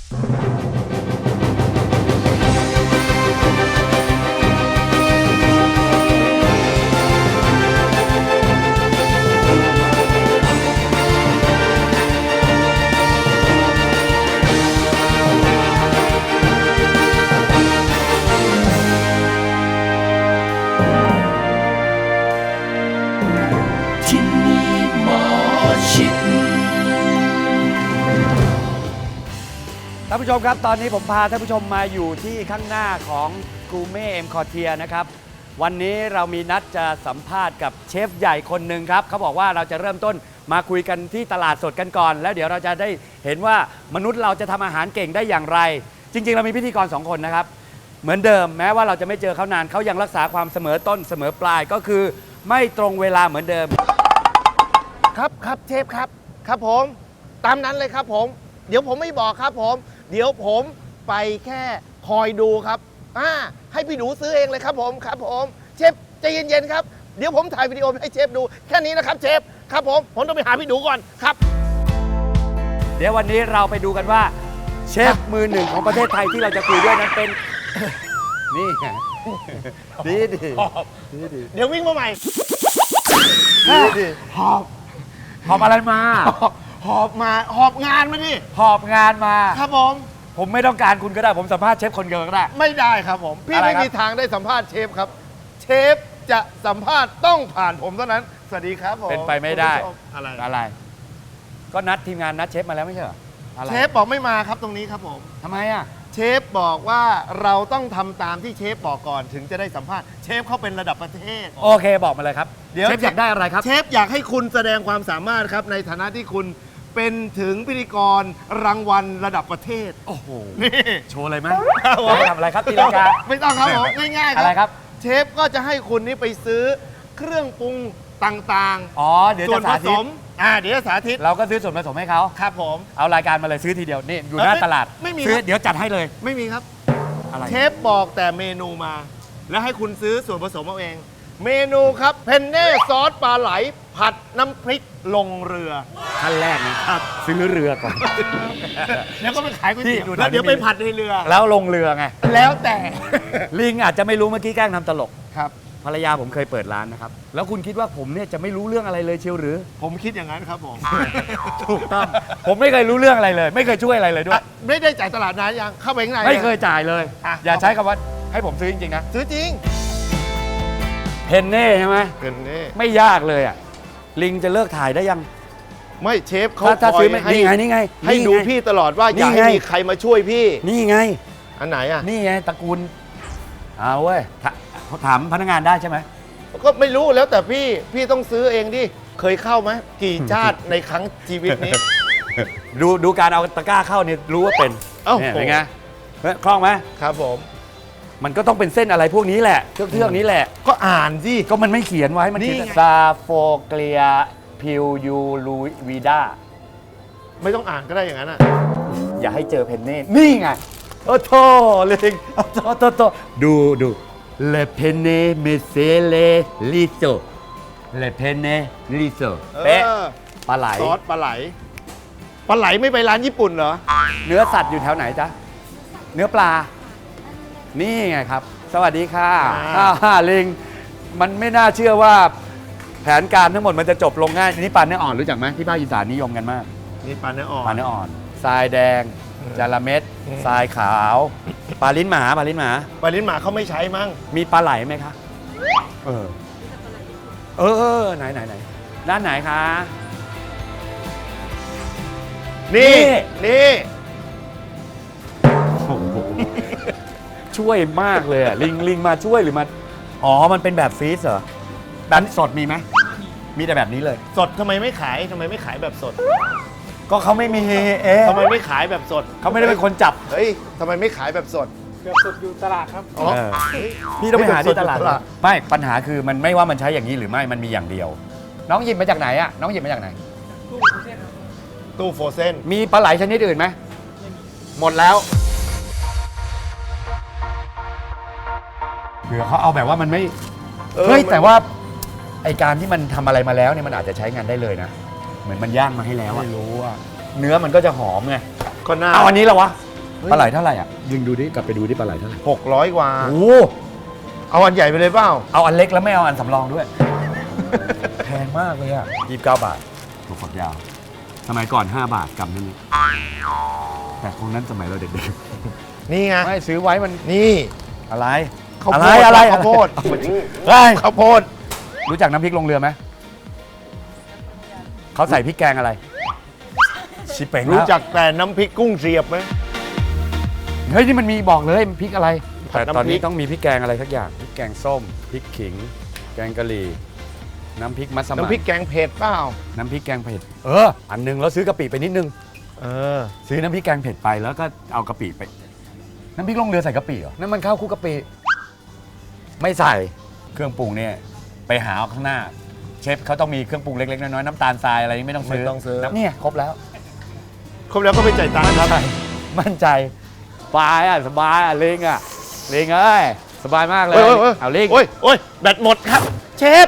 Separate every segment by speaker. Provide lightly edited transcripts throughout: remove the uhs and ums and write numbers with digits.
Speaker 1: ท่านผู้ชมครับตอนนี้ผมพาท่านผู้ชมมาอยู่ที่ข้างหน้าของกูเม่เอ็มคอเทียนะครับวันนี้เรามีนัดจะสัมภาษณ์กับเชฟใหญ่คนหนึ่งครับเขาบอกว่าเราจะเริ่มต้นมาคุยกันที่ตลาดสดกันก่อนแล้วเดี๋ยวเราจะได้เห็นว่ามนุษย์เราจะทำอาหารเก่งได้อย่างไรจริงๆเรามีพิธีกร2คนนะครับเหมือนเดิมแม้ว่าเราจะไม่เจอเขานานเขายังรักษาความเสมอต้นเสมอปลายก็คือไม่ตรงเวลาเหมือนเดิม
Speaker 2: ครับเชฟครับผมตามนั้นเลยครับผมเดี๋ยวผมไม่บอกครับผมเดี๋ยวผมไปแค่คอยดูครับให้พี่ดูซื้อเองเลยครับผมเชฟใจเย็นๆครับเดี๋ยวผมถ่ายวิดีโอให้เชฟดูแค่นี้นะครับเชฟครับผมต้องไปหาพี่ดูก่อนครับ
Speaker 1: เดี๋ยววันนี้เราไปดูกันว่าเชฟมือหนึ่งของประเทศไทยที่เราจะคุยด้วยนั้นเป็นนี่ไงดี
Speaker 2: เดี๋ยววิ่งมาใหม่
Speaker 1: ดีหอบอะไรมา
Speaker 2: หอบงานมาดิ
Speaker 1: หอบงานมา
Speaker 2: ครับ
Speaker 1: ผมไม่ต้องการคุณก็ได้ผมสัมภาษณ์เชฟคนเดียวก็ได้
Speaker 2: ไม่ได้ครับผมพี่ไม่มีทางได้สัมภาษณ์เชฟครับเชฟจะสัมภาษณ์ต้องผ่านผมเท่านั้นสวัสดีครับผม
Speaker 1: เป็นไปไม่ได้
Speaker 2: อะไร
Speaker 1: ก็นัดทีมงานนัดเชฟมาแล้วไม่ใช่เหรอ
Speaker 2: เชฟบอกไม่มาครับตรงนี้ครับผม
Speaker 1: ทำไมอ่ะ
Speaker 2: เชฟบอกว่าเราต้องทำตามที่เชฟบอกก่อนถึงจะได้สัมภาษณ์เชฟเขาเป็นระดับประเทศ
Speaker 1: โอเคบอกมาเลยครับเชฟอยากได้อะไรครับ
Speaker 2: เชฟอยากให้คุณแสดงความสามารถครับในฐานะที่คุณเป็นถึงพิธีกรรางวัลระดับประเทศ
Speaker 1: โอ้โห
Speaker 2: นี่
Speaker 1: โชว์เลยไหมทำอะไรครับตีลังกา
Speaker 2: ไม่ต้องครับผมง่ายๆ
Speaker 1: อะไรครับ
Speaker 2: เชฟก็จะให้คุณนี่ไปซื้อเครื่องปรุงต่าง
Speaker 1: ๆเดี๋ยวจะสาธิต
Speaker 2: เดี๋ยวจะสาธิต
Speaker 1: เราก็ซื้อส่วนผสมให้เขา
Speaker 2: ครับผม
Speaker 1: เอารายการมาเลยซื้อทีเดียวนี่อยู่หน้าตลาด
Speaker 2: ไม่มี
Speaker 1: ซื้อเดี๋ยวจัดให้เลย
Speaker 2: ไม่มีครับ
Speaker 1: อะไร
Speaker 2: เชฟบอกแต่เมนูมาแล้วให้คุณซื้อส่วนผสมเอาเองเมนูครับเพนเน่ซอสปลาไหลผัดน้ำพริกลงเรือ
Speaker 1: ขั้นแรกนะครับซื้อเรือก่อน
Speaker 2: แล้วก็ไปขายก๋วยเตี๋ยวแล้วเดี๋ยวไปผัดในเรือ
Speaker 1: แล้วลงเรือไง
Speaker 2: แล้วแต่
Speaker 1: ลิงอาจจะไม่รู้เมื่อกี้แกล้งทำตลก
Speaker 2: ครับ
Speaker 1: ภรรยาผมเคยเปิดร้านนะครับแล้วคุณคิดว่าผมเนี่ยจะไม่รู้เรื่องอะไรเลยเชียวหรือ
Speaker 2: ผมคิดอย่างนั้นครับผม
Speaker 1: ถูกต้องผมไม่เคยรู้เรื่องอะไรเลยไม่เคยช่วยอะไรเลยด้วย
Speaker 2: ไม่ได้จ่ายตลาดนานยังเข้าไปข้างใน
Speaker 1: ไม่เคยจ่ายเลยอย่าใช้คำว่าให้ผมซื้อจริงๆนะ
Speaker 2: ซื้อจริง
Speaker 1: เพนเน่ใช่ไหม
Speaker 2: เพนเน่
Speaker 1: ไม่ยากเลยอ่ะลิงจะเลิกถ่ายได้ยัง
Speaker 2: ไม่เชฟเขา
Speaker 1: ถ้าซื้อนี่ไง
Speaker 2: ให้ดูพี่ตลอดว่าอยากให้มีใครมาช่วยพี่
Speaker 1: นี่ไง
Speaker 2: อันไหนอ่ะ
Speaker 1: นี่ไงตระกูลเอาเว้ยถามพนักงานได้ใช่ไหม
Speaker 2: ก็ไม่รู้แล้วแต่พี่ต้องซื้อเองดิเคยเข้าไหมกี่ชาติในครั้งชีวิตนี้
Speaker 1: ดูการเอาตะกร้าเข้าเนี่ยรู้ว่าเป็นเป็นไงคล่องไหม
Speaker 2: ครับผม
Speaker 1: มันก็ต้องเป็นเส้นอะไรพวกนี้แหละเครื่องนี้แหละ
Speaker 2: ก็อ่านสิ
Speaker 1: ก็มันไม่เขียนไว้มันซาโฟเกลียพิวยูลูวีดา
Speaker 2: ไม่ต้องอ่านก็ได้อย่างนั้นอ่ะ
Speaker 1: อย่าให้เจอเพนเน่นี่ไงโอ้โธ่ลิงโตดูเลเพนเน่เมเซเลลิโซเลเพนเน่ลิโซเป๊ะปลาไหล
Speaker 2: ซอสปลาไหลไม่ไปร้านญี่ปุ่นเหรอ
Speaker 1: เนื้อสัตว์อยู่แถวไหนจ๊ะเนื้อปลานี่ไงครับสวัสดีค่ะลิงมันไม่น่าเชื่อว่าแผนการทั้งหมดมันจะจบลงง่ายนี่ปลาเนื้ออ่อนรู้จักไหมที่ภาคอีสานนิยมกันมาก
Speaker 2: นี่ปลาเนื้ออ่
Speaker 1: อนทรายแดงจาระเม็ดทรายขาวปลาลิ้นหมา
Speaker 2: เขาไม่ใช้มั้ง
Speaker 1: มีปลาไหลไหมคะไหนด้านไหนคะ
Speaker 2: นี่
Speaker 1: ช่วยมากเลยอ่ะลิงมาช่วยหรือมามันเป็นแบบฟรีซเหรอแบบสดมีไหมมีแต่แบบนี้เลย
Speaker 2: สดทำไมไม่ขายแบบสด
Speaker 1: ก็เขาไม่มี
Speaker 2: ทำไมไม่ขายแบบสด
Speaker 1: เขาไม่ได้เป็นคนจับ
Speaker 2: เฮ้ยทำไมไม่ขายแบบสดอยู่ตลาดครับ
Speaker 1: พี่ต้องไปหาที่ตลาดไม่ปัญหาคือมันไม่ว่ามันใช้อย่างนี้หรือไม่มันมีอย่างเดียวน้องหยิบมาจากไหนอ่ะน้องหยิบมาจากไหน
Speaker 2: ตู้โฟเซน
Speaker 1: มีปลาไหลชนิดอื่นไหมหมดแล้วเผื่อเขาเอาแบบว่ามันไม่เฮ้ยแต่ว่าไอการที่มันทำอะไรมาแล้วเนี่ยมันอาจจะใช้งานได้เลยนะเหมือนมันย่างมาให้แล้ว
Speaker 2: ไม่รู้อ่ะ
Speaker 1: เนื้อมันก็จะหอมไง
Speaker 2: ก็น่า
Speaker 1: เอาอันนี้แล้ววะปลาไหลเท่าไหร่อ่ะยิงดูดิกลับไปดูดิปลาไหลเท่าไหร่
Speaker 2: 600 กว่า
Speaker 1: โอ้
Speaker 2: เอาอันใหญ่ไปเลยเปล่า
Speaker 1: เอาอันเล็กแล้วไม่เอาอันสำรองด้วย แพงมากเลยอ่ะ29 บาทถั่วฝักยาวสมัยก่อน5 บาทกำนั่นแต่คงนั้นสมัยเราเด็ก
Speaker 2: นี่ไง
Speaker 1: ๆไม่ซื้อไว้มัน
Speaker 2: นี่
Speaker 1: อะไร
Speaker 2: ข้าว
Speaker 1: อะ
Speaker 2: โพ
Speaker 1: ไร
Speaker 2: ด
Speaker 1: อะไร
Speaker 2: ข้าวโพด
Speaker 1: เฮ้ย
Speaker 2: ข้าวโพด
Speaker 1: รู้จักน้ำพริกลงเรือไหมเขาใส่พริกแกงอะไรชิเป่ง
Speaker 2: รู้จักแต่น้ำพริกกุ้งเสียบไหม
Speaker 1: เฮ้ยนี่มันมีบอกเลยมันพริกอะไร
Speaker 2: ผัด
Speaker 1: แต่
Speaker 2: น้ำพริก
Speaker 1: ตอนนี้ต้องมีพริกแกงอะไรสักอย่างพริกแกงส้มพริกขิง แกงกะหรี่น้ำพริกมัสมั่น
Speaker 2: น้ำพริกแกงเผ็ดเปล่า
Speaker 1: น้ำพริกแกงเผ็ดอันนึงแล้วซื้อกะปิไปนิดนึง ซื้อน้ำพริกแกงเผ็ดไปแล้วก็เอากะปิไปน้ำพริกลงเรือใส่กะปิเหรอนั่นมันข้าวคลุกกะปิไม่ใส่เครื่องปรุงเนี่ยไปหาเอาข้างหน้าเชฟเขาต้องมีเครื่องปรุงเล็กๆน้อยๆน้ำตาลทรายอะไรไม่ต้องซื้อ
Speaker 2: ไม่ต้องซื้อ
Speaker 1: เนี่ยครบแล้ว
Speaker 2: ครบแล้วก็ไปจ่ายตังค์ครับ
Speaker 1: มั่นใจสบายอ่ะสบายอ่ะลิงเอ้ยสบายมากเลยเอาลิง
Speaker 2: โอ้ยแบตหมดครับ เชฟ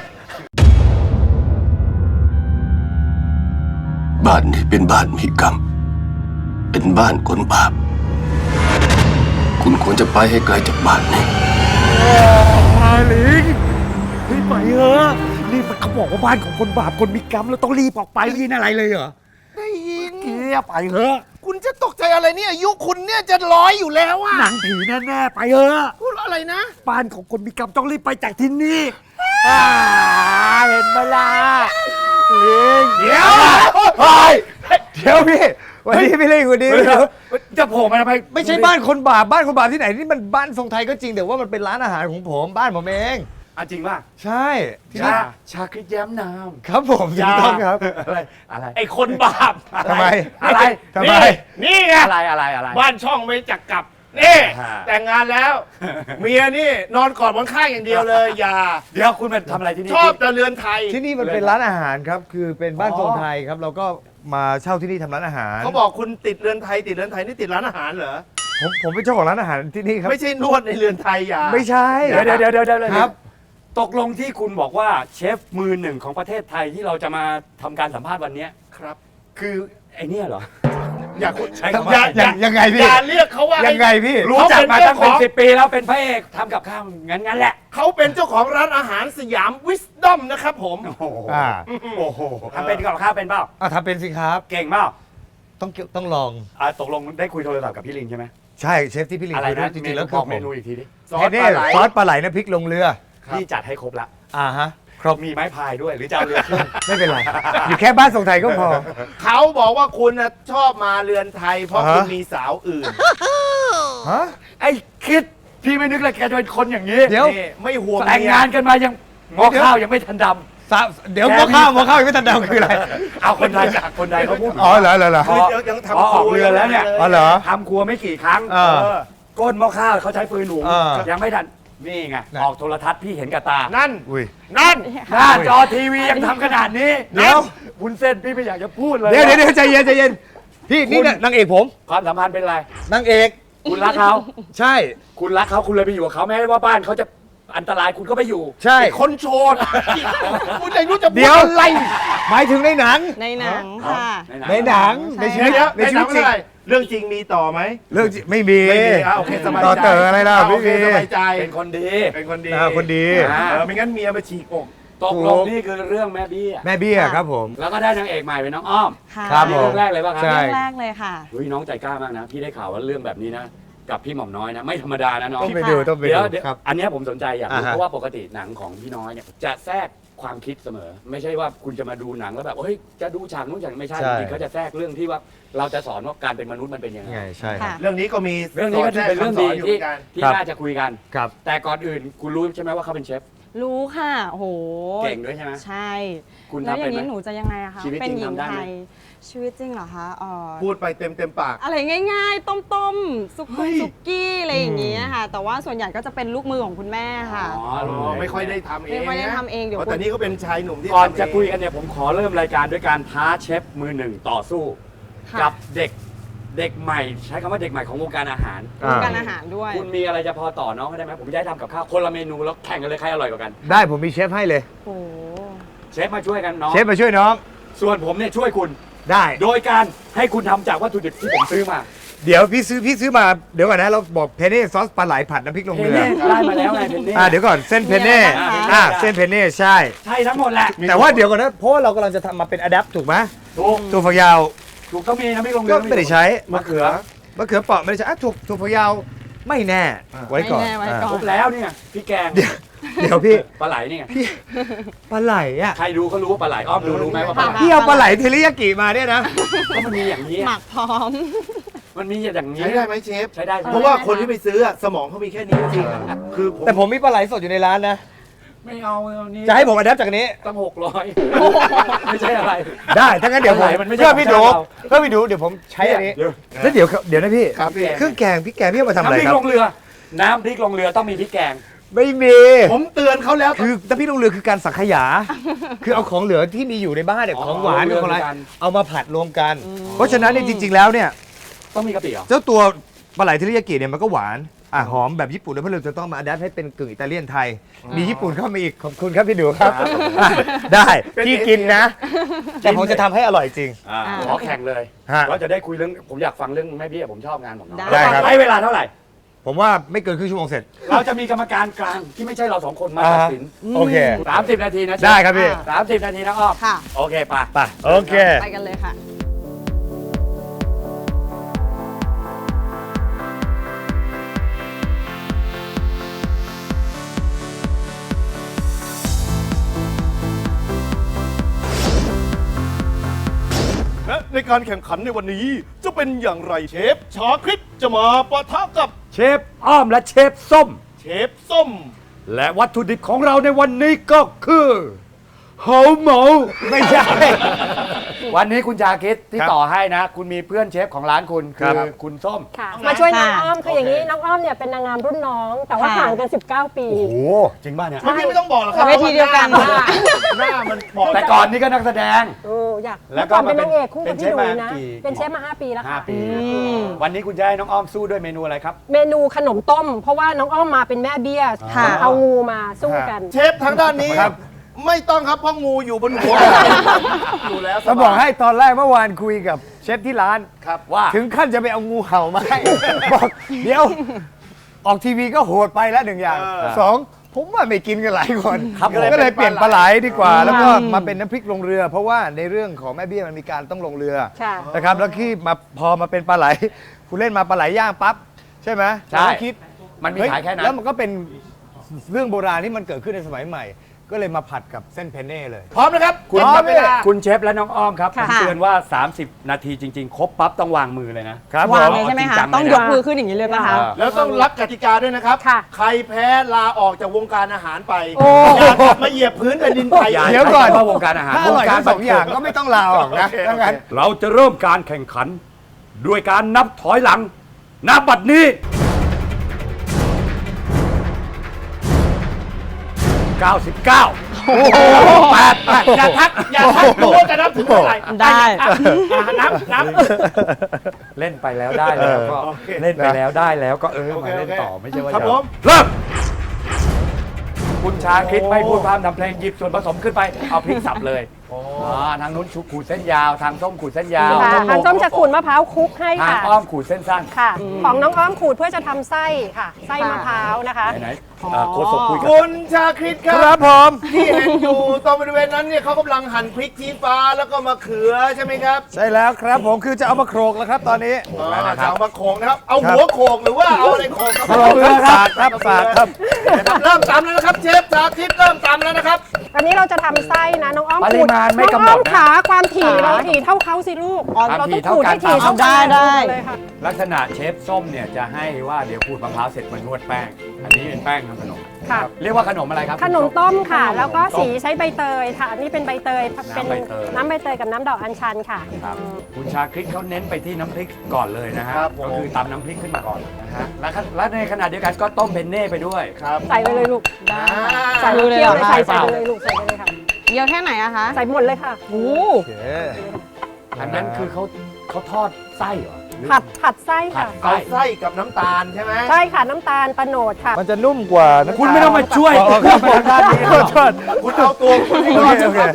Speaker 3: บ้านนี้เป็นบ้านมีกรรม เป็นบ้านคนบาป คุณควรจะไปให้ไกลจากบ้านนี้
Speaker 1: ลิงเฮ้ยไปเถอะนี่มันเขาบอกว่าบ้านของคนบาปคนมีกรรมเราต้องรีบออกไปยินอะไรเลยเหรอ
Speaker 2: ได้ยิน
Speaker 1: เกียไปเถอะ
Speaker 2: คุณจะตกใจอะไรเนี่ยอายุคุณเนี่ยจะร้อยอยู่แล้วอะ
Speaker 1: หนังผีแน่ๆไปเถอะ
Speaker 2: พูดอะไรนะ
Speaker 1: บ้านของคนมีกรรมต้องรีบไปจากที่นี่เห็นไหมล่ะลิง
Speaker 2: เดี๋ยว
Speaker 4: เดี๋ยวพี่วันนี้พี่เล่นวันนี้
Speaker 1: จะโผล่มาทำไม
Speaker 4: ไม่ใช่บ้านคนบาปบ้านคนบาปที่ไหนนี่มันบ้านทรงไทยก็จริงแต่ว่ามันเป็นร้านอาหารของผมบ้านผมเอง
Speaker 1: จริงป่ะ
Speaker 4: ใช่ที่นี่
Speaker 1: ชาคริสแย้มนาม
Speaker 4: ครับผมถูกต้องครับ
Speaker 1: อะไร
Speaker 2: ไอ้คนบาป
Speaker 4: ทำไม
Speaker 1: อะไร
Speaker 4: ทำไม
Speaker 2: นี่ไง
Speaker 1: อะไร
Speaker 2: บ้านช่องไม่จักกลับ นี่
Speaker 1: ฮะ
Speaker 2: แต่งงานแล้ว เมียนี่นอนกอดบนข้างอย่างเดียวเลย อย่า
Speaker 1: เดี๋ยวคุณเป็นทำอะไรที่นี่
Speaker 2: ชอบแต่เรือนไทย
Speaker 4: ที่นี่มันเป็นร้านอาหารครับคือเป็นบ้านทรงไทยครับเราก็มาเช่าที่นี่ทำร้านอาหาร
Speaker 2: เขาบอกคุณติดเรือนไทยนี่ติดร้านอาหารเหรอ
Speaker 4: ผมเป็นเจ้าของร้านอาหารที่นี่ครับ
Speaker 2: ไม่ใช่นวดในเรือนไทยอย่า
Speaker 4: ไม่ใช่
Speaker 1: เดี๋ยว
Speaker 4: ครับ
Speaker 1: ตกลงที่คุณบอกว่าเชฟมือหนึ่งของประเทศไทยที่เราจะมาทำการสัมภาษณ์วันเนี้ย
Speaker 2: ครับ
Speaker 1: คือไอ้เนี่ยเหรอ
Speaker 2: อย่าคุณ
Speaker 1: ใช้คำว่า
Speaker 4: ยังไงพี่
Speaker 2: อย่าเรียกเขาว่า
Speaker 4: ยังไงพี่
Speaker 1: รู้จักมาตั้งเป็น
Speaker 2: เขาเป็นเจ้าของ
Speaker 1: 10 ปีแล้วเป็นพระเอกทำกับข้าวงั้นแหละ
Speaker 2: เขาเป็นเจ้าของร้านอาหารสยามวิสดอมนะครับผม
Speaker 1: โอ้โห
Speaker 4: อ่า
Speaker 1: โอ้โหทำเป็นกับข้าวเป็นเปล่า
Speaker 4: ทำเป็นสิครับ
Speaker 1: เก่งเปล่า
Speaker 4: ต้องลอง
Speaker 1: ตกลงได้คุยโทรศัพท์กับพี่ลิงใช่ไหม
Speaker 4: ใช่เชฟที่พี่ลิง
Speaker 1: อะไร
Speaker 4: คุยด้ว
Speaker 1: นะ
Speaker 4: ยจริงๆแล้ว
Speaker 1: บ
Speaker 4: คือ
Speaker 1: อก
Speaker 4: ผ
Speaker 1: เม
Speaker 4: ม
Speaker 1: นูอีกทีดิ
Speaker 2: ซอส
Speaker 4: แค่นี้
Speaker 2: ปลาไหล
Speaker 4: ซอสปลาไหลน้ำพริกลงเรือ
Speaker 1: พี่จัดให้ครบละ
Speaker 4: ฮะ
Speaker 1: ครบมีไม้พายด้วยหรือจะเอาเรือขึ้น
Speaker 4: ไม่เป็นไร อยู่แค่บ้านทรงไทยก็พอ
Speaker 2: เขาบอกว่าคุณน่ะชอบมาเรือนไทย เพราะ
Speaker 4: อ่าฮะ
Speaker 2: คุณมีสาวอื่น
Speaker 4: ฮะ
Speaker 1: ไอ้คิดพี่ไม่นึกเลยแกจะเป็นคนอย่างนี้
Speaker 4: เดี๋ยว
Speaker 2: นี่ไม่ห่วง
Speaker 1: แต่ง
Speaker 2: เมีย
Speaker 1: งานกันมายังงอข้าวยังไม่ทันด
Speaker 4: เดี๋ยวหม้อข้าวยังไม่ทันดำคืออะไร
Speaker 1: ำเอาคนไทยจากคนไทยเขาพูด
Speaker 4: อ๋อเหรอ
Speaker 2: คือยังทำ
Speaker 1: พอออกเรือแล้วเนี่ย
Speaker 4: อ๋อเหรอ
Speaker 1: ทำครัวไม่กี่ครั้ง
Speaker 4: เออ
Speaker 1: ก้นหม้อข้าวเขาใช้ฟืนหุง
Speaker 4: เออ
Speaker 1: ยังไม่ทันนี่ไง
Speaker 4: น่ะ
Speaker 1: ออกโทรทัศน์พี่เห็นกับตา
Speaker 2: นั่น
Speaker 4: อุ้ย
Speaker 2: นั่น
Speaker 1: หน้าจอทีวียังทำขนาดนี้
Speaker 4: เดี๋ยว
Speaker 1: วุ้นเส้นพี่ไม่อยากจะพูดเลย
Speaker 4: เดี๋ยวใจเย็นพี่นี่น่ะนางเอกผม
Speaker 1: ความสัมพันธ์เป็นไร
Speaker 4: นางเอก
Speaker 1: คุณรักเขา
Speaker 4: ใช่
Speaker 1: คุณรักเขาคุณเลยไปอยู่กับเขาแม้ว่าบ้านเขาจะอันตรายคุณก็ไปอยู่
Speaker 4: ใช่
Speaker 2: ไอ้คนโชดคุณจะรู้จะพู
Speaker 4: เดี๋
Speaker 2: ด
Speaker 4: ยว
Speaker 2: อะไร
Speaker 4: หมายถึงในหนัง
Speaker 5: ในหนังค่ะ
Speaker 4: ในหนังในชีวิต
Speaker 2: เดี๋ยว
Speaker 4: ใน
Speaker 2: ใน
Speaker 4: ชี
Speaker 2: หนั
Speaker 4: วิ
Speaker 2: ง
Speaker 4: ตจริง
Speaker 2: อะไรเรื่องจริงมีต่อไหม
Speaker 4: เรื่องจริงไม่มี
Speaker 2: ไม่มีโอเคสบายใจ
Speaker 4: ต่อเต๋ออะไรล่ะ
Speaker 2: โอ
Speaker 4: ไม่
Speaker 2: เค
Speaker 4: มี
Speaker 2: สบายใจ
Speaker 1: เป็นคนดี
Speaker 2: เป็นคนดี
Speaker 4: คนดี
Speaker 2: ไม่งั้นเมียมาฉีกอก
Speaker 1: ตกลงนี่คือเรื่องแม่เบี้ย
Speaker 4: แม่เบี้ยครับผม
Speaker 1: แล้วก็ได้นางเอกใหม่เป็นน้องอ้อม
Speaker 5: ค่ะ
Speaker 4: ครับ
Speaker 1: นี่
Speaker 4: ผม
Speaker 1: เรื่องแรกเลยป่ะครั
Speaker 4: ใช่
Speaker 5: เรื่องแรกเลยค่ะ
Speaker 1: เฮ้ยน้องใจกล้ามากนะ พี่ได้ข่าวว่าเรื่องแบบนี้นะ กับพี่หม่อมน้อยนะ ไม่ธรรมดานะน้อง
Speaker 4: ต้องไปดูต้องไป
Speaker 1: เดี๋ยว
Speaker 4: ดู
Speaker 1: เดี๋ยว
Speaker 4: ครับ
Speaker 1: อันเนี้ยผมสนใจอยากรู้
Speaker 4: อ่าฮะ
Speaker 1: เพราะว่าปกติหนังของพี่น้อยเนี่ยจะแทรกความคิดเสมอ ไม่ใช่ว่าคุณจะมาดูหนังแล้วแบบเฮ้ยจะดูฉากนู้นฉากนี้ไม่ใช่
Speaker 4: ใช่
Speaker 1: จริงๆเขาจะแทรกเรื่องที่ว่าเราจะสอนว่าการเป็นมนุษย์มันเป็นยังไง
Speaker 4: ไงใช่ครับ
Speaker 5: ค่ะ
Speaker 2: เรื่องนี้ก็มี
Speaker 1: เรื่องนี้ก็ถือเป็นเรื่องดี
Speaker 2: สนอยู่
Speaker 1: ที่
Speaker 2: เหมือนกัน
Speaker 1: ที่
Speaker 4: ครับ
Speaker 1: น่าจะคุยกัน
Speaker 4: ครับ
Speaker 1: แต่ก่อนอื่นคุณรู้ใช่ไหมว่าเขาเป็นเชฟ
Speaker 5: รู้ค่ะโอ้โห
Speaker 1: เก่งด้วยใช่ไหม
Speaker 5: ใช่
Speaker 1: คุณ
Speaker 5: แล้ว
Speaker 1: ทำ
Speaker 5: อ
Speaker 1: เป็น
Speaker 5: ย่าง
Speaker 1: ไหม
Speaker 5: นี้หนูจะยังไงอะคะ
Speaker 1: ชีวิต
Speaker 5: เป็น
Speaker 1: จริง
Speaker 5: หญิง
Speaker 1: ทำได้
Speaker 5: ไท
Speaker 1: ไหม
Speaker 5: ยชีวิตจริงเหรอคะ
Speaker 2: พูดไปเต็มปาก
Speaker 5: อะไรง่ายๆ ต้มๆซุกี้อะไรอย่างเงี้ยค่ะ แต่ว่าส่วนใหญ่ก็จะเป็นลูกมือของคุณแม่ค่ะ
Speaker 1: อ๋อรู้
Speaker 2: ไม่ค่อยได้ทำเอง
Speaker 5: ไม่ค่อยได้ทำเองเดี๋ยว
Speaker 2: แต่นี่ก็เป็นชายหนุ่มที่
Speaker 1: ก่อน
Speaker 2: ทำเง
Speaker 1: จะคุยกันเนี่ยผมขอเริ่มรายการด้วยการท้าเชฟมือหนึ่งต่อสู้
Speaker 5: ค่ะ
Speaker 1: กับเด็กใหม่ ใช้คำว่าเด็กใหม่ของวงการอาหาร
Speaker 4: อ่า
Speaker 5: การอาหารด้วย
Speaker 1: คุณมีอะไรจะพอต่อน้องเขาได้ไหมผมจะได้ทำกับข้าวคนละเมนูแล้วแข่งกันเลยใครอร่อยกว่ากัน
Speaker 4: ได้ผมมีเชฟให้เลย
Speaker 5: โอ้โห
Speaker 1: เชฟมาช่วยกันน้อง
Speaker 4: เชฟมาช่วยน้อง
Speaker 1: ส่วนผมเนี่ยช่วยคุณ
Speaker 4: ได้
Speaker 1: โดยการให้คุณทำจากวัตถุดิบที่ผมซื้อมา
Speaker 4: เดี๋ยวพี่ซื้อมาเดี๋ยวก่อนนะเราบอกเพนเน่ซอสปลาไหลผัดน้ำพริกลง
Speaker 1: เพน
Speaker 4: เรือ
Speaker 1: เน่ได้มาแล้วไงเพนเน่
Speaker 4: เดี๋ยวก่อนเส้นเพนเน่
Speaker 5: มีอะไรบ้างคะ
Speaker 4: เส้นเพนเน่ใช่
Speaker 1: ใช่ทั้งหมดแหละ
Speaker 4: แต่ว่าเดี๋ยวก่อนนะเพราะว่าเรากำลังจะทำมาเป็นอะแดปถูกไหม
Speaker 1: ถูก
Speaker 4: ถั่วฝักยาว
Speaker 1: ถูกต้องมีนะไม่ลงเรื
Speaker 4: ก็
Speaker 1: อ
Speaker 4: ไม่ได้ใช้
Speaker 1: มะเขือ
Speaker 4: มะเขือเปราะไม่ได้ใช้ถั่วฝักยาวไม่แน่ไว้ก่อน
Speaker 5: ไม่แน่ไว้ก่อน
Speaker 1: ครบแล้วเนี่ยพี่แกง
Speaker 4: เดี๋ยวพี่
Speaker 1: ปลาไหลเนี่ย
Speaker 4: ปลาไหลอ่ะ
Speaker 1: ใครดูเขารู้ว่าปลาไหลอ้อมรู้ไหมว่าปลาไหล
Speaker 4: พี่เอาปลาไหลเทริยากิมาเนี่ยนะ
Speaker 1: ก็มันมีอย่างนี้
Speaker 5: หมักพร้อม
Speaker 1: มันมีอย่างนี้
Speaker 2: ใช้ได้ไหมเชฟ
Speaker 1: ใช้ได้
Speaker 2: เพราะว่าคนที่ไปซื้ออะสมองเขามีแค่นี้จริงๆอะคือผม
Speaker 4: แต่ผมมีปลาไหลสดอยู่ในร้านนะ
Speaker 1: ไม่เอานี่
Speaker 4: จะให้ผมอะแดปจากนี้
Speaker 1: ตั้ง600ไม่ใช่อะไร
Speaker 4: ได้ถ้างั้นเดี๋ยวผม
Speaker 1: ปลาไหลมันไม่ใช่
Speaker 4: เพื่อพี่ดู
Speaker 1: ของเรา
Speaker 4: เพื่อพี่ดูเดี๋ยวผมใช้อันนี้
Speaker 1: เดี๋ยว
Speaker 4: แล้วเดี๋ยวนะพี่
Speaker 2: ครับพี่
Speaker 4: เครื่องแกงพี่แกงพี่เอามาทำอะไร
Speaker 1: น้ำพริ
Speaker 4: ค
Speaker 1: ก
Speaker 4: รับ
Speaker 1: ลงเรือ น้ำพริกลงเรือต้องมีพริกแกง
Speaker 4: ไม่มี
Speaker 2: ผมเตือนเขาแล้ว
Speaker 4: คือน้ำพริกลงเรือคือการสังขยา คือเอาของเหลือที่มีอยู่ในบ้านเนี่ย
Speaker 1: อ๋อ
Speaker 4: ของหวาน
Speaker 1: เอาเรือ
Speaker 4: ของอะไร
Speaker 1: ด้วยกัน
Speaker 4: เอามาผัดรวมกัน เพราะฉะนั้นเนี่ยจริง ๆแล้วเนี่ย
Speaker 1: ต้องมีกะปิเหรอ
Speaker 4: เจ้าตัวปลาไหลเทริยากิเนี่ยมันก็หวานหอมแบบญี่ปุ่นแล้วเพราะเราจะต้องมาอัดแอปให้เป็นกึ่งอิตาเลียนไทย มีญี่ปุ่นเข้ามาอีกขอบคุณครับพี่ดูครับอ่ะได้พี่กินนะ แต่ผมจะทำให้อร่อยจริง
Speaker 1: ขอแข่งเลย
Speaker 4: ฮะ
Speaker 1: เราจะได้คุยเรื่องผมอยากฟังเรื่องแม่เบี้ยผมชอบงานของน้อง
Speaker 4: ได้ครับ
Speaker 1: ใช้เวลาเท่าไหร่
Speaker 4: ผมว่าไม่เกินครึ่งชั่วโมงเสร็จ
Speaker 1: เราจะมีกรรมการกลางที่ไม่ใช่เรา2 คนมาตัดสิน
Speaker 4: โอเค
Speaker 1: 30 นาทีนะเชฟ
Speaker 4: ได้ครับพี่
Speaker 1: 30 นาทีนะอ้อม
Speaker 5: ค่ะ
Speaker 1: โอเคไป
Speaker 4: ไปโอเค
Speaker 5: ไปกันเลยค่ะ
Speaker 2: และในการแข่งขันในวันนี้จะเป็นอย่างไรเชฟชาคริสจะมาปะทะกับ
Speaker 1: เชฟอ้อมและเชฟส้ม
Speaker 2: เชฟส้ม
Speaker 1: และวัตถุดิบของเราในวันนี้ก็คือเฮาหมู
Speaker 4: ไม่ใช่
Speaker 1: วันนี้คุณชาคิดที่
Speaker 4: ครับ
Speaker 1: ต่อให้นะ คุณมีเพื่อนเชฟของร้านคุณ
Speaker 4: ค
Speaker 1: คื
Speaker 4: รั
Speaker 1: อบ คุณส้ม
Speaker 6: ค่ะมาช่วยน้อง
Speaker 5: ค่ะ
Speaker 6: อ้อมคืออย่างนี้น้องอ้อมเนี่ยเป็นนางงามรุ่นน้อง แต่ว่า
Speaker 5: ค่ะ
Speaker 6: ห่างกัน 19 ปี
Speaker 1: โอ้โหจริงป่ะเนี่ย
Speaker 2: เมื่อกี้ไม่ต้องบอกหรอกครับ
Speaker 5: เวทีเดียวกัน
Speaker 2: หน้ามันบอก
Speaker 1: แต่ก่อนนี่ก็นักแสดง
Speaker 6: โอ้อยาก
Speaker 1: แล้ว
Speaker 6: เมื่อ
Speaker 1: ก็
Speaker 6: ก่อนเป็นนางเอกคู่
Speaker 1: เป็
Speaker 6: กับ
Speaker 1: น
Speaker 6: พี่
Speaker 1: เชฟ
Speaker 6: หนู
Speaker 1: มา
Speaker 6: นะ
Speaker 1: กี่
Speaker 6: เป็นเชฟมา 5 ปีแล้วค่ะ
Speaker 1: 5 ปี วันนี้คุณจะให้น้องอ้อมสู้ด้วยเมนูอะไรครับ
Speaker 6: เมนูขนมต้ม เพราะว่าน้องอ้อมมาเป็นแม่เบี้ย
Speaker 5: ค่ะ
Speaker 6: เอางูมาสู้กัน
Speaker 2: เชฟทางด้านนี้
Speaker 4: ครับ
Speaker 2: ไม่ต้องครับเพราะงูอยู่บนหัวอยู่แล้วส
Speaker 4: จะ
Speaker 2: บาย
Speaker 4: บอกให้ตอนแรกเมื่อวานคุยกับเชฟที่ร้าน
Speaker 2: ครับ
Speaker 1: ว่า
Speaker 4: ถึงขั้นจะไปเอางูเห่ามาให้ บอกเดี๋ยว ออกทีวีก็โหดไปแล้วหนึ่งอย่าง สองผมว่าไม่กินกันหลายคน
Speaker 1: ครับ
Speaker 4: ก็เลยเปลี่ยนปลาไหลดีกว่า แล้วก็
Speaker 5: อืม
Speaker 4: มาเป็นน้ำพริกลงเรือ เพราะว่าในเรื่องของแม่เบี้ยมันมีการต้องลงเรือ
Speaker 6: ค่ะ
Speaker 4: นะครับแล้วที่มาพอมาเป็นปลาไหลคุณเล่นมาปลาไหลย่างปั๊บใช่ไหม
Speaker 1: ใช่
Speaker 4: เราก็คิด
Speaker 1: มันมี
Speaker 4: เฮ้ย
Speaker 1: ขายแค่นั้น
Speaker 4: แล้วมันก็เป็นเรื่องโบราณที่มันเกิดขึ้นในสมัยใหม่ ก็เลยมาผัดกับเส้นเพนเน่เลย
Speaker 2: พร้อมนะครับ
Speaker 1: คุณ
Speaker 2: พร้อมเวลา
Speaker 1: คุณเชฟและน้องอ้อมครับผ
Speaker 5: ค่ะ
Speaker 1: มเตือนว่า 30 นาทีจริง ๆ ครบปั๊บต้องวางมือเลยนะ
Speaker 4: ครับ
Speaker 5: วาง
Speaker 4: ผม
Speaker 5: เลยใช่ไหมคะ
Speaker 1: จริงจังเลยนะ
Speaker 5: ต้องยกมือขึ้นอย่างนี้เลยป่ะคะ
Speaker 2: แล้วต้องรักกติกาด้วยนะครับ
Speaker 6: ค่ะ
Speaker 2: ใครแพ้ลาออกจากวงการอาหารไป
Speaker 6: โอ้
Speaker 2: อย่ากลับมาเหยียบพื้นแผ่นดินไทย
Speaker 1: อย่า
Speaker 4: เดี๋ยวก่อน
Speaker 1: ใช้คำว่าวงการอาหาร
Speaker 4: ถ้าอร่อยทั้งสองอย่างก็ไม่ต้องลาออกนะ
Speaker 2: โอเค
Speaker 4: ถ้างั้น
Speaker 1: เราจะเริ่มการแข่งขัน ด้วยการนับถอยหลัง นับบัดนี้ 99 88
Speaker 2: อย่าทักรู้ว่าจะนับถึงเท่าไหร่
Speaker 5: ได้
Speaker 2: นับ
Speaker 1: เล่นไปแล้วได้แล้วก็
Speaker 2: โอเค
Speaker 1: เล่นไปแล้วได้แล้วก็
Speaker 2: โอ
Speaker 1: มา
Speaker 2: เค
Speaker 1: เล่นต่อไม่ใช่ว่า
Speaker 2: ครับ
Speaker 1: จะ
Speaker 2: ผม
Speaker 1: เริ่มคุณชาคิดไม่พูดพร่ำทำเพลงหยิบส่วนผสมขึ้นไปเอาพริกสับเลยทางนู้นขูดเส้นยาว ทางส้มขูดเส้นยาว
Speaker 6: ค่ะทางส้มจะขูดมะพร้าวคลุกให้
Speaker 1: ทาง
Speaker 6: ค่ะ
Speaker 1: อ้อมขูดเส้นสั้น
Speaker 6: ค่ะ ของน้องอ้อมขูดเพื่อจะทำไส้ค่ะ ไส้มะพร้าวนะคะ
Speaker 1: ไหนโคศกคุยกับ
Speaker 2: คุณชาคริตค
Speaker 4: ค
Speaker 2: รั
Speaker 4: รั
Speaker 2: บบ
Speaker 4: ผม
Speaker 2: ที่เห็นอยู่ตรงบริเวณนั้นเนี่ยเขากำลังหั่นพริกชี้ฟ้าแล้วก็มะเขือใช่ไหมครับ
Speaker 4: ใช่แล้วครับผมคือจะเอามาโขลกแล้วครับตอนนี้
Speaker 2: จะเอามาโขกนะครับ เอาหัวโขกหรือว่าเอาอะไรโขกครับ
Speaker 4: โขลกครับสากครับสากครับ
Speaker 2: เริ่มตำแล้วนะครับเชฟชาคริตเริ่มตำแล้วนะครับ
Speaker 6: อันนี้เราจะทำไส้นะน้องอ้อม
Speaker 1: ปริ
Speaker 6: ขูด
Speaker 1: มาณไม่
Speaker 6: น้อง
Speaker 1: กำหน
Speaker 6: อ้อ
Speaker 1: ด
Speaker 6: ม
Speaker 1: นะ
Speaker 6: ขาความถี่เราถี่เท่าเขาสิลูก
Speaker 1: ความ
Speaker 6: เรา
Speaker 1: ถี่
Speaker 6: ต้องขูดให้
Speaker 1: เท่ากัน
Speaker 6: ถี่เท่ากัน
Speaker 5: ได้
Speaker 6: เลยค่ะ
Speaker 1: ลักษณะเชฟส้มเนี่ยจะให้ว่าเดี๋ยวขูดมะพร้าวเสร็จมานวดแป้ง อันนี้เป็นแป้งทำขนม
Speaker 6: ค่ะ
Speaker 1: เรียกว่าขนมอะไรครับ
Speaker 6: ขนมต้มค่ะ แล้วก็สีใช้ใบเตยค่ะอันนี้เป็นใบเตยเป็น
Speaker 1: น้ำใบเตย
Speaker 6: น้ำใบเตยกับน้ำดอกอัญชันค่ะ
Speaker 1: ครับคุณชาคริตเขาเน้นไปที่น้ำพริกก่อนเลยนะฮะ
Speaker 2: ครับผม
Speaker 1: ก็คือตำน้ำพริกขึ้นมาก่อนนะฮะและในขณะเดียวกันก็ต้มเพนเน่ไปด้วย
Speaker 2: ครับ
Speaker 6: ใส่ไปเลยลูก
Speaker 5: ได้
Speaker 6: ใส่
Speaker 5: รู้เลย
Speaker 6: เคี่ยว
Speaker 5: เหรอ
Speaker 6: เลย
Speaker 5: คะ
Speaker 6: ใส่ไปเลยลูกใส่ไปเลยค่ะ
Speaker 5: เยอะแค่ไหนอะคะ
Speaker 6: ใส่หมดเลยค่ะ
Speaker 5: โอ้
Speaker 4: โอเค
Speaker 1: อันนั้นคือเขาทอดไส้เหรอหรือ
Speaker 6: ผัดไส้ค่ะ
Speaker 1: ผั
Speaker 2: เอา
Speaker 1: ด
Speaker 2: ไส้กับน้ำตาลใช่ไหม
Speaker 6: ใช่ค่ะน้ำตาลตะโนดค่ะ
Speaker 4: มันจะนุ่มกว่าน้ำตาล
Speaker 1: คุณไม่ต้องมาช่วย
Speaker 4: อ๋อครับ
Speaker 1: ไปทางด้านนี้
Speaker 4: ขอโทษ
Speaker 2: คุณเอาตัวคุณให้
Speaker 4: โอ
Speaker 2: รอด
Speaker 4: เค
Speaker 2: นะ
Speaker 4: โอ
Speaker 2: ค
Speaker 4: เค
Speaker 2: รับ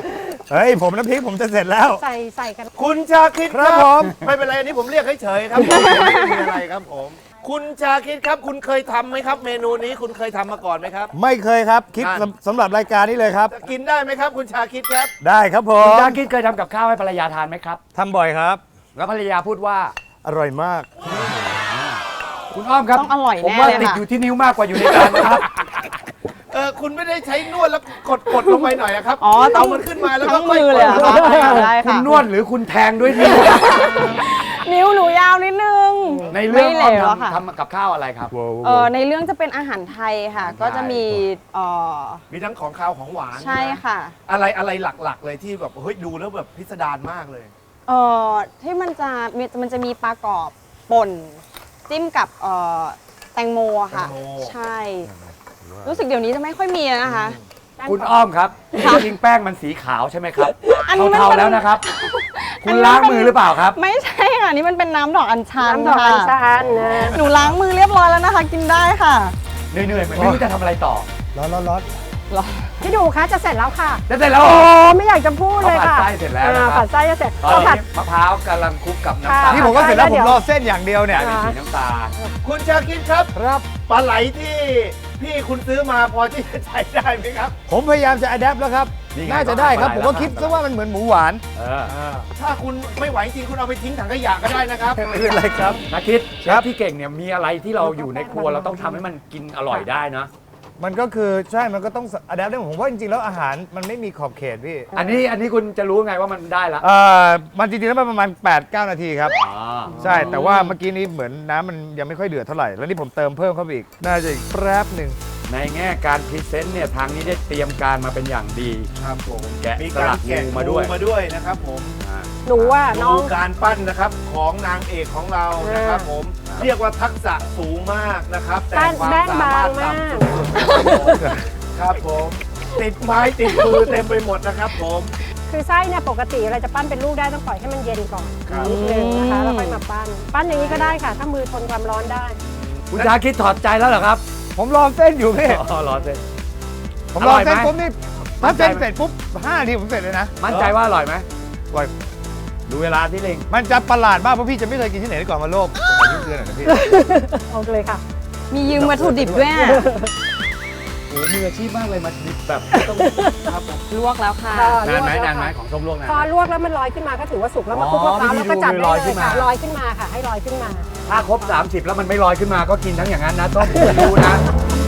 Speaker 4: เฮ้ยผมน้ำพริกผมจะเสร็จแล้ว
Speaker 6: ใส่กัน
Speaker 2: คุณชาคิด
Speaker 4: ครับผม
Speaker 2: ไม่เป็นไรอันนี้ผมเรียกเฉยๆครับผมไม่มีอะไรครับผม คุณชาคิดครับ คุณเคยทำไหมครับ เมนูนี้คุณเคยทำมาก่อนไหมครับ
Speaker 4: ไม่เคยครับคิด
Speaker 2: นั่น
Speaker 4: สำหรับรายการนี้เลยครับ
Speaker 2: กินได้ไหมครับ คุณชาคิดครับ
Speaker 4: ได้ครับผ
Speaker 1: คุณ
Speaker 4: ม
Speaker 1: ชาคิดเคยทำกับข้าวให้ภรรยาทานไหมครับ
Speaker 4: ทำบ่อยครับ
Speaker 1: แล้วภรรยาพูดว่า
Speaker 4: อร่อยมาก
Speaker 1: คุณอ้อมครับ
Speaker 5: ต้องอร่อย
Speaker 1: ผม
Speaker 5: แน่
Speaker 1: ว่า
Speaker 5: เลย
Speaker 1: ติด
Speaker 5: ค่ะ
Speaker 1: อยู่ที่นิ้วมากกว่าอยู่ในจานนะครับ
Speaker 2: คุณไม่ได้ใช้นวดแล้วกดลงไปหน่อยอะครับ
Speaker 5: อ๋อต้อ
Speaker 2: เอา
Speaker 5: ง
Speaker 2: มันขึ้นมาแล้วก็
Speaker 5: ทั้งมือเลยเหรอคะได้
Speaker 1: คุ
Speaker 5: ค่ะ
Speaker 1: ณนวดหรือคุณแทงด้วยนิ้ว
Speaker 5: นิ้วหนูยาวนิดนึง
Speaker 1: ในเรื่อง
Speaker 5: ไม่
Speaker 1: อ้อ
Speaker 5: เหล
Speaker 1: ม
Speaker 5: วอะค่ะ
Speaker 1: ทำกับข้าวอะไรครับ
Speaker 5: ในเรื่องจะเป็นอาหารไทยค่ะ ก็จะมีเอ่อ
Speaker 2: มีทั้งของคาวของหวาน
Speaker 5: ใช่ค่ะ
Speaker 2: อะไรหลักๆ เลยที่แบบเฮ้ยดูแล้วแบบพิสดารมากเลย
Speaker 5: ที่มันจะมีปลากรอบป่นจิ้มกับแตงโมอะค่ะ
Speaker 2: แตงโม
Speaker 5: ใช่ รู้สึกเดี๋ยวนี้จะไม่ค่อยมีแล้วนะคะ
Speaker 1: คุณอ้อมครับ
Speaker 5: ค่ะ
Speaker 1: จริงๆแป้งมันสีขาวใช่ไหมครับ
Speaker 5: อันนี้มัน
Speaker 1: เทา
Speaker 5: เป็น
Speaker 1: ๆแล้วนะครับ
Speaker 5: อั
Speaker 1: คุ
Speaker 5: น
Speaker 1: ณ
Speaker 5: นี้
Speaker 1: ล้าง
Speaker 5: มันเป็น
Speaker 1: มือหรือเปล่าครับ
Speaker 5: ไม่ใช่ค่ะ นี่มันเป็นน้ำดอกอัญชัน
Speaker 6: น้ำดอกอัญ
Speaker 5: ค่ะ
Speaker 6: ชันนะ
Speaker 5: หนูล้างมือเรียบร้อยแล้วนะคะ กินได้ค่ะ
Speaker 1: เหนื่อยๆเหมือนไม่รู้จะทำอะไรต่อ
Speaker 4: ร้อน
Speaker 6: พี่ดูคะจะเสร็จแล้วค่ะ
Speaker 1: จะเสร็จแล้ว
Speaker 6: โอ้
Speaker 1: เหรอ
Speaker 6: ไม่อยากจะพูดเลยค่ะ
Speaker 1: เขาผัดไส้เสร็จแล้วนะครับ
Speaker 6: ผัดไส้จะเสร็จ
Speaker 1: ตอน
Speaker 6: เราผั
Speaker 1: นี้
Speaker 6: ด
Speaker 1: มะพร้าวกำลังคลุกกับน้ำตาล
Speaker 6: ค่ะ
Speaker 4: นี่ผมก็เสร็จแล้ว
Speaker 6: ได้
Speaker 4: ผ
Speaker 6: เดี๋
Speaker 4: ม
Speaker 6: ยว
Speaker 4: รอเส้นอย่างเดียวเนี่ย
Speaker 1: เป็นสีน้ำตาล
Speaker 2: คุณชาคิดครับ
Speaker 4: ครับ
Speaker 2: ปลาไหลที่พี่คุณซื้อมาพอที่จะใช้ได้ไหมครับ
Speaker 4: ผมพยายามจะอัดแอปแล้วครับ
Speaker 1: นี่ไง
Speaker 4: น่าจะได้ครับ
Speaker 1: ก็
Speaker 4: ผม
Speaker 1: ปลาไหล
Speaker 4: ก็คิด
Speaker 1: แล้ว
Speaker 4: ซะว่ามันเหมือนหมูหวาน
Speaker 1: เออ
Speaker 2: ถ้าคุณไม่ไหวจริงคุณเอาไปทิ้งถังขยะก็ได้นะครับ
Speaker 4: ไม่เป็นไรครับ
Speaker 1: นักคิดเช
Speaker 4: ครั
Speaker 1: ฟ
Speaker 4: บ
Speaker 1: ที่เก่งเนี่ยมีอะไรที่เราอยู่ในครัวเราต้องทำให้มันกินอร่อยได้นะ
Speaker 4: มันก็คือใช่มันก็ต้องอัดแอปได้ผมว่าจริงๆแล้วอาหารมันไม่มีขอบเขตพี่
Speaker 1: อันนี้คุณจะรู้ไงว่ามันได้ละ
Speaker 4: มันจริงๆแล้วมันประมาณ 8-9 นาทีครับ
Speaker 1: อ๋อ
Speaker 4: ใช่ แต่ว่าเมื่อกี้นี้เหมือนน้ำมันยังไม่ค่อยเดือดเท่าไหร่ แล้วนี่ผมเติมเพิ่มเข้าไปอีก น่าจะอีกแป๊บหนึ่ง
Speaker 1: ในแง่การพรีเซนต์เนี่ยทางนี้ได้เตรียมการมาเป็นอย่างดี
Speaker 2: ครับผม
Speaker 1: แกะ
Speaker 2: มี
Speaker 1: ส
Speaker 2: การ
Speaker 1: ลัก
Speaker 2: แกะ
Speaker 1: งูมาด้วย
Speaker 2: งูมาด้วยนะครับผม
Speaker 6: หนูว่าน้อง
Speaker 2: ดูการปั้นนะครับของนางเอกของเรานะครับผม เรียกว่าทักษะสูงมากนะครับ แต่ความ
Speaker 6: แป้ง
Speaker 2: สา
Speaker 6: บาม
Speaker 2: าง รถ
Speaker 6: มาก
Speaker 2: ต่ำสุดๆครับผม ติดไม้ติดมือเต็มไปหมดนะครับผม
Speaker 6: คือไส้เนี่ยปกติเราจะปั้นเป็นลูกได้ต้องปล่อยให้มันเย็นก่อน
Speaker 2: ครับ
Speaker 6: นิดนึงนะคะแล้วค่อยมาปั้น ปั้นอย่างนี้ก็ได้ค่ะ ถ้ามือทนความร้อนได้
Speaker 1: คุณชาคิดถอดใจแล้วเหรอครับ
Speaker 4: ผมรอเส้นอยู่พี่
Speaker 1: อ๋อรอเส้น
Speaker 4: ผมรอเส้น
Speaker 1: อร่อยไหม
Speaker 4: ปุ๊บนี่ถ้าเส้นเสร็จปุ๊บ5 นาทีผมเสร็จเลยนะ
Speaker 1: มั่นใจว่าอร่อยไหม
Speaker 4: อร่อย
Speaker 1: ดูเวลาที่เล็ง
Speaker 4: มันจะประหลาดมากเพราะพี่จะไม่เคยกินที่ไหนก่อนมาโลกผมขอยืมเตือนหน่อยนะพี่
Speaker 6: เอาเลยค่ะ
Speaker 5: มียืมวัตถุดิบด้วยอะ
Speaker 1: โอ้มืออาชีพมากเลยมาแบบต้องครับผม
Speaker 5: ลวกแล้วค่ะ
Speaker 1: นานไหมนานไหมของส้มลวกนาน
Speaker 6: พอ
Speaker 1: ไหม
Speaker 6: ลวกแล้วมันลอยขึ้นมาก็ถือว่าสุกแล้วมา
Speaker 1: อ๋อ
Speaker 6: คลุกมะพร้าว
Speaker 1: วิธี
Speaker 6: แล้วก็จับ
Speaker 1: ดู
Speaker 6: ได้
Speaker 1: ลอย
Speaker 6: เล
Speaker 1: ขึ้
Speaker 6: ย
Speaker 1: นมา
Speaker 6: ค่ะลอยขึ้นมาค่ะ ให้ลอยขึ้นมา
Speaker 1: ถ้าครบ 30 แล้วมันไม่ลอยขึ้นมาก็กินทั้งอย่างนั้นนะต้มคุณรู้นะ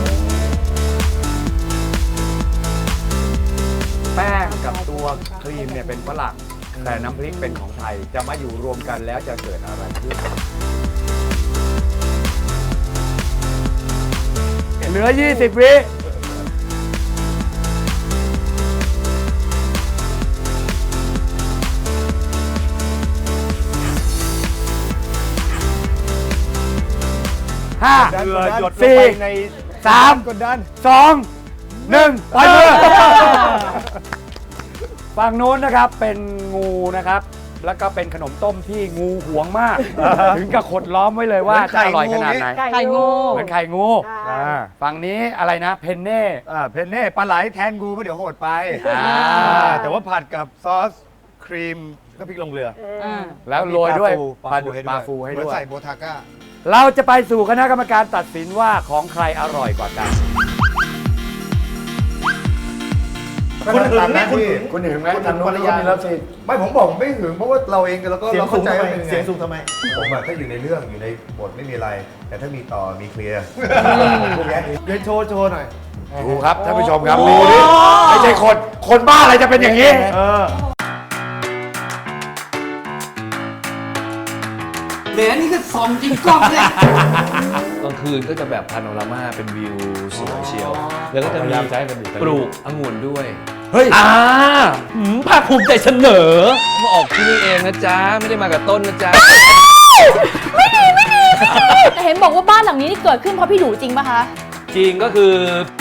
Speaker 1: แป้งกับตัวครีมเนี่ยเป็นฝรั่งแต่น้ำพริกเป็นของไทยจะมาอยู่รวมกันแล้วจะเกิดอะไรขึ้น เหลือ 20 วิ ห้า
Speaker 2: เกลือหยดลง
Speaker 1: สี่
Speaker 2: ไปใน
Speaker 1: สาม
Speaker 4: กดดัน
Speaker 1: 2 1ปล่อยมือ ฝั่งโน้นนะครับเป็นงูนะครับ แล้วก็เป็นขนมต้มที่งูหวงมาก ถึงกับขดล้อมไว้เลยว่าจะอร่อยขนาดไหน
Speaker 5: ไข่งู
Speaker 1: เหมือนไข่งู
Speaker 6: อ่า
Speaker 1: ฝั่งนี้อะไรนะเพนเน่
Speaker 4: เพนเน่ปลาไหลแทนงูเพราะเดี๋ยวโหดไป
Speaker 1: อ่า
Speaker 4: แต่ว่าผัดกับซอสครีมก็พริกลงเรือ
Speaker 1: แล้วโรยด้วย
Speaker 4: ปลา
Speaker 1: ปลาฟูให้
Speaker 4: เหมือน
Speaker 1: ด้วย
Speaker 4: ใส่โบทาก้า
Speaker 1: เราจะไปสู่คณะกรรมการตัดสินว่าของใครอร่อยกว่ากัน
Speaker 2: คุณหึงไหมคุณหึง
Speaker 1: คุณหึงไหม
Speaker 2: คุณหึง
Speaker 1: ทางโน้น
Speaker 2: ภรรยา
Speaker 1: มีเลิฟซีน
Speaker 4: ไม่ผมบอกผมไม่หึงเพราะว่าเราเองแล้วก็
Speaker 2: เสียง
Speaker 4: เรา
Speaker 2: สู
Speaker 4: เข้าง ใจ
Speaker 2: ทำไม
Speaker 4: ว่าเป็นยังไง
Speaker 2: เสียงสูงทำไม
Speaker 4: ผมอะถ้าอยู่ในเรื่องอยู่ในบทไม่มีอะไร แต่ถ้ามีต่อมีเคลียร์
Speaker 2: เดี๋ยวโชว์หน่อย
Speaker 1: ดูครับท่านผู้ชมครับดูดิไม่ใช่คนบ้าอะไรจะเป็นอย่างนี้
Speaker 7: เดี๋ยวนี่ก็ส่องจริงกล้องเนี่ยกลางคืนก็จะแบบพาโนรามาเป็นวิวสวยเชียว แล้วก็จะมีปลูกองุ่นด้วย
Speaker 1: เฮ้ย
Speaker 7: ภาคภูมิใจเสนอ มาออกที่นี่เองนะจ๊ะ ไม่ได้มากับต้นนะจ๊ะ
Speaker 8: แต่เห็นบอกว่าบ้านหลังนี้นี่เกิดขึ้นเพราะพี่ดูจริงปะคะ
Speaker 7: จริงก็คือ